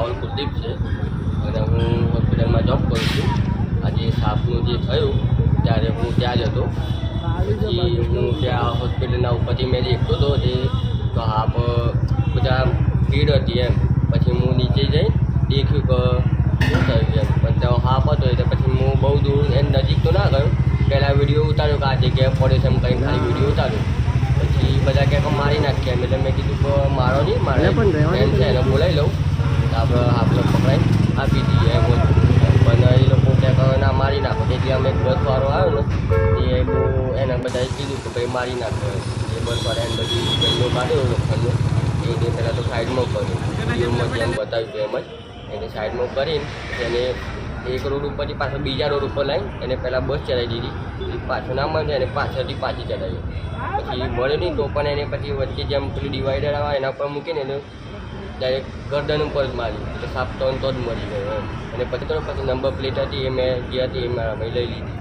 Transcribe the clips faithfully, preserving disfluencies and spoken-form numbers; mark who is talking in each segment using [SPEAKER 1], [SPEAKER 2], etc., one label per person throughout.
[SPEAKER 1] રાહુલ કુલદીપ છે અને હું હોસ્પિટલમાં જોબ કરું છું. આજે સાપનું જે થયું ત્યારે હું ત્યાં જ હતો. પછી હું ત્યાં હોસ્પિટલના ઉપરથી મેં દેખતો હતો તે તો સાપ બધા ભીડ હતી એમ. પછી હું નીચે જઈ દેખ્યું કે શું થયું એમ, પણ ત્યાં સાપ હતો એટલે પછી હું બહુ દૂર એમ નજીક તો ના ગયો. પહેલાં વિડીયો ઉતાર્યો કે આ જગ્યાએ પડે છે એમ કંઈ ખાલી વિડીયો ઉતાર્યો. પછી બધા કહે કે મારી નાખ્યા એમ, એટલે મેં કીધું કે મારો નહીં, મારે એમ છે એને બોલાવી લઉં તો આપણે આપણે પકડાઈ આપી દઈએ એમ હતું. પણ એ લોકો કહે કે ના મારી નાખો. તેથી અમે બસવાળો આવ્યો ને એ બહુ એને બધાએ કીધું કે ભાઈ મારી નાખો એમ. એ બસવાળા એને બધી ગંદો કાઢ્યો લોખંડનો એને પહેલાં તો સાઈડમાં કર્યો, વિડીયોમાં જેમ બતાવ્યું એમ જ એને સાઈડમાં કરીને એને એક રોડ ઉપરથી પાછળ બીજા રોડ ઉપર લાવીને એને પહેલાં બસ ચલાવી દીધી. પાછું ના મળે એને પાછળથી પાછી ચલાવી. પછી મળે નહીં તો પણ એને પછી વચ્ચે જેમ પેલું ડિવાઈડર આવે એના પર મૂકીને એને ડાયરેક્ટ ગરદન ઉપર જ મારી એટલે સાપ તો તો જ મરી ગયો એમ. અને પછી તો પછી નંબર પ્લેટ હતી એ મેં જે હતી એ મારા ભાઈ લઈ લીધી.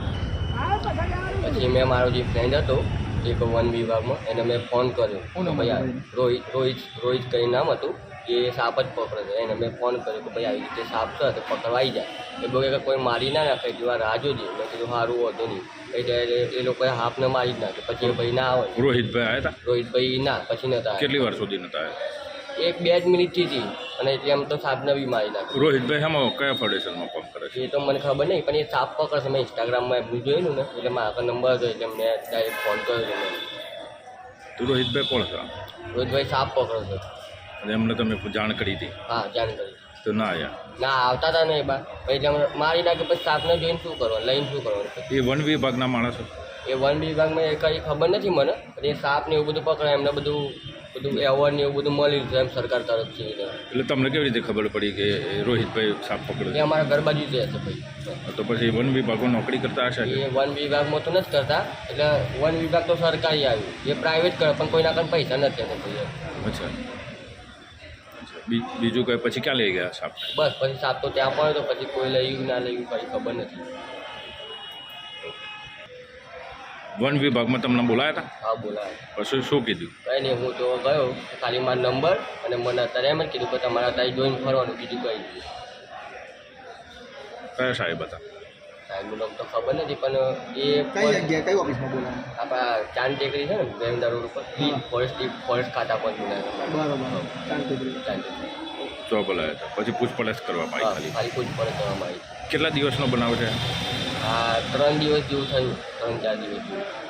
[SPEAKER 1] પછી મેં મારો જે ફ્રેન્ડ હતો એક વન વિભાગમાં એને મેં ફોન કર્યો ભાઈ આ રોહિત રોહિત રોહિત કરીને નામ હતું. એ સાપ જ પકડે છે એને મેં ફોન કર્યો કે ભાઈ આવી રીતે સાપ છે તો પકડવાઈ જાય. એ બોલે કે કોઈ મારી ના નાખે જેવા રાહ જોજે. મેં કીધું સારું હોતું નહીં. એટલે એ લોકોએ હાફને મારી જ નાખે. પછી એ ભાઈ ના આવે.
[SPEAKER 2] રોહિતભાઈ આવ્યા હતા?
[SPEAKER 1] રોહિતભાઈ ના પછી નતા.
[SPEAKER 2] કેટલી વાર સુધી નતા આવ્યા?
[SPEAKER 1] એક બે જ મિનિટથી હતી અને એટલે એમ તો સાપને બી મારી નાખે.
[SPEAKER 2] રોહિતભાઈ શામાં કયા ફાઉન્ડેશનમાં કામ કરે છે?
[SPEAKER 1] એ તો મને ખબર નહીં, પણ એ સાપ પકડશે. મેં ઇન્સ્ટાગ્રામમાં એમનું જોયેલું ને એટલે મારા આગળ નંબર હતો એટલે મેં ડાયરેક્ટ ફોન કર્યો હતો.
[SPEAKER 2] તો રોહિતભાઈ કોણ છે?
[SPEAKER 1] રોહિતભાઈ સાપ પકડશે.
[SPEAKER 2] અને એમને તમે જાણ કરી હતી?
[SPEAKER 1] હા જાણ કરી.
[SPEAKER 2] તો ના આવ્યા? ના
[SPEAKER 1] આવતા હતા ને એ બાર એટલે મારી નાખે. પછી સાપને જોઈને શું કરવાનું, લઈને શું કરવાનું?
[SPEAKER 2] એ વન વિભાગના માણસો?
[SPEAKER 1] એ વન વિભાગમાં એ કંઈ ખબર નથી મને. પણ એ સાપ ને એવું બધું પકડે એમને બધું બધું એવોર્ડ ને એવું બધું મળી છે એમ સરકાર તરફથી.
[SPEAKER 2] એટલે તમને કેવી રીતે ખબર પડી કે રોહિતભાઈ સાપ પકડે?
[SPEAKER 1] એ અમારા ઘર બાજુ જ છે ભાઈ.
[SPEAKER 2] તો પછી વન વિભાગમાં નોકરી કરતા હશે?
[SPEAKER 1] એ વન વિભાગમાં તો નથી કરતા. એટલે વન વિભાગ તો સરકારી આવ્યું, એ પ્રાઇવેટ કરે પણ કોઈના કંઈ પૈસા નથી આપતા ભાઈ.
[SPEAKER 2] અચ્છા બીજું કંઈ પછી ક્યાં લઈ ગયા સાપ?
[SPEAKER 1] બસ પછી સાપ તો ત્યાં પડ્યો તો પછી કોઈ લઈ ના લઈ કંઈ ખબર નથી.
[SPEAKER 2] વન વિભાગમાં તમને બોલાયા હતા?
[SPEAKER 1] હા બોલાય.
[SPEAKER 2] પછી શું કીધું? કંઈ
[SPEAKER 1] નહીં, હું તો ગયો ખાલી મારો નંબર અને મને અત્યારે એમ જ કીધું કે તમારા ત્યાં જોઈને ફરવાનું, બીજું કંઈ નહીં.
[SPEAKER 2] કયા સાહેબ હતા?
[SPEAKER 1] સાહેબનું નામ તો ખબર નથી પણ એ
[SPEAKER 3] કઈ જગ્યાએ કઈ ઓફિસમાં બોલાયા?
[SPEAKER 1] આપણા ચાંદ ટેકરી છે ને વેમદા રોડ ઉપર ફોરેસ્ટ ફોરેસ્ટ ખાતા પર બોલાયા.
[SPEAKER 3] બરાબર ચાંદ ટેકરી.
[SPEAKER 1] ચાંદ ટેકરી
[SPEAKER 2] જો બોલાયા હતા. પછી પૂછપરછ કરવામાં આવી ખાલી?
[SPEAKER 1] ખાલી પૂછપરછ કરવામાં આવી.
[SPEAKER 2] કેટલા દિવસનો બનાવ છે?
[SPEAKER 1] હા ત્રણ દિવસ જેવું થયું, ત્રણ ચાર દિવસ જેવું.